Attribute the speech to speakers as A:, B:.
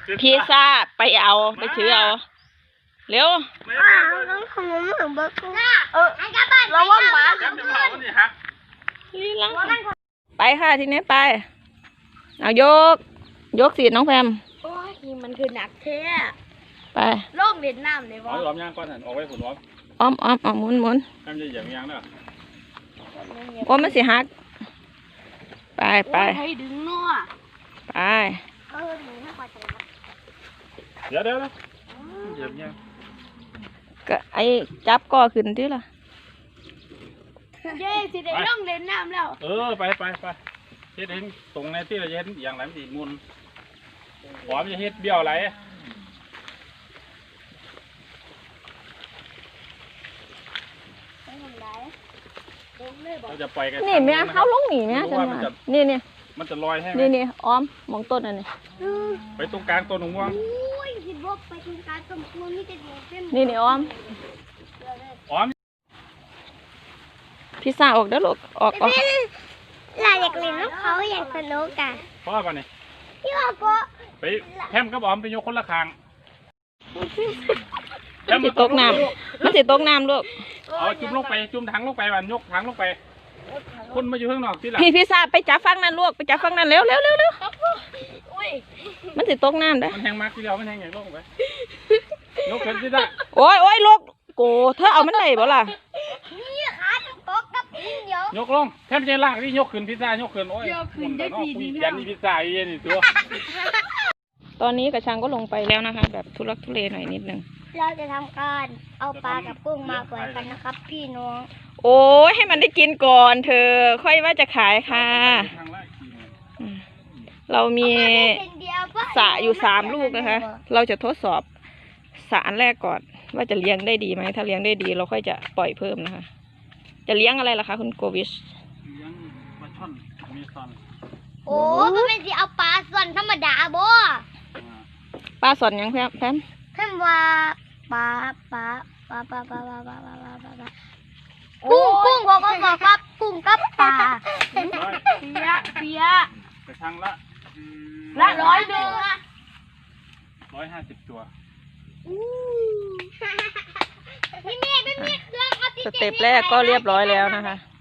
A: พิซซ่าไปเอาไปถือเอาเร็ว
B: ต้องทำเหมือนเบอร์เกอร์เราว่าหมา
A: ไปค่ะทีนี้ไปเอายกสีน้องแพม
B: โอ้ยมันคือหนักแท้
A: ไป
B: โลกเวียดนามเลยวะ
C: ล้อมย่างก้อนหันออกไว้ผุนล้อม
A: อ้อมหมุน
C: แพมจะเหยียบย่างเด้อ
A: โอ้มันสิฮักไป
B: ให้ดึงนัว
A: ไป
C: เดี๋ยวเหยียบย่าง
A: ก็ไอ้จับก่อขึ้นที่ล่ะ
B: เย้สิได้ล่องเล่นน้ำแล้ว
C: ไปเฮ็ดเองตรงในที่เราเฮ็ดอย่างไรมันสิมุนหอมจะเฮ็ดเบี้ยวไรเราจะปล่อยกัน
A: นี่แม่เขาลงหนีแม่จังหวะนี่
C: มันจะลอยให้
A: นี่อ้อมมองต้นอันนี้
C: ไปตรงกลางต้นหงม่วง
A: นี่อ้อมพิซซ่าออกเด้อลูกออก
B: เราอยากเล่นน้ำเขาอยากสนุกกัน
C: พ่อก่อนนี่
B: พี่ว่าก็
C: ไปแฮมกับออมไปยกคนละคาง
A: มันสิตกน้ำลูก
C: เอาจุ่มลงไปจุ่มถังลงไปวันยกถังลงไปคนมาอยู่ข้างนอกที่หลัง
A: พี่พิซซ่าไปจับฟังนั่นลูกไปจับฟังนั่นเร็วมันสิตกน้ำเด้อ
C: มันแห้งมากที่เดียวมันแห้งอย่างลงไปยกขึ้นที่ได้
A: โอ้ยลูกโกเธอเอามันได้บ่ล่ะ
B: นี่ขาตกกับเดี๋ยวย
C: กลงแทบจะลากที่ยกขึ้นพิซซ่ายกขึ้นโอ้ยขึ้นได้ปีนี้ยันนี่พิซซ่าเย็นนี่ตัว
A: ตอนนี้กระชังก็ลงไปแล้วนะคะแบบทุลักทุเลหน่อยนิดนึง
B: เราจะทำการเอาปลากับกุ้งมาปล่อยกันนะครับพี่น้อง
A: โอ้ยให้มันได้กินก่อนเธอค่อยว่าจะขายค่ะเรามีสระอยู่3 ลูกนะคะเราจะทดสอบสระอันแรกก่อนว่าจะเลี้ยงได้ดีไหมถ้าเลี้ยงได้ดีเราค่อยจะปล่อยเพิ่มนะคะจะเลี้ยงอะไรล่ะคะคุณโกวิช
C: เลี้ยงปลาช่อนมีซอน
B: โอ้มันเป็นสิเอาปลาส่วนธรรมดาบ่
A: ปลาสอนยังแพม
B: ว่าปลากุ้งบอกครับกุ้งกับปลาเปีย
C: กระชังละ
B: 100นึง
C: 150 ตัว
B: ไม่มีเครื่อง
A: สเต็ปแรกก็เรียบร้อยแล้วนะคะ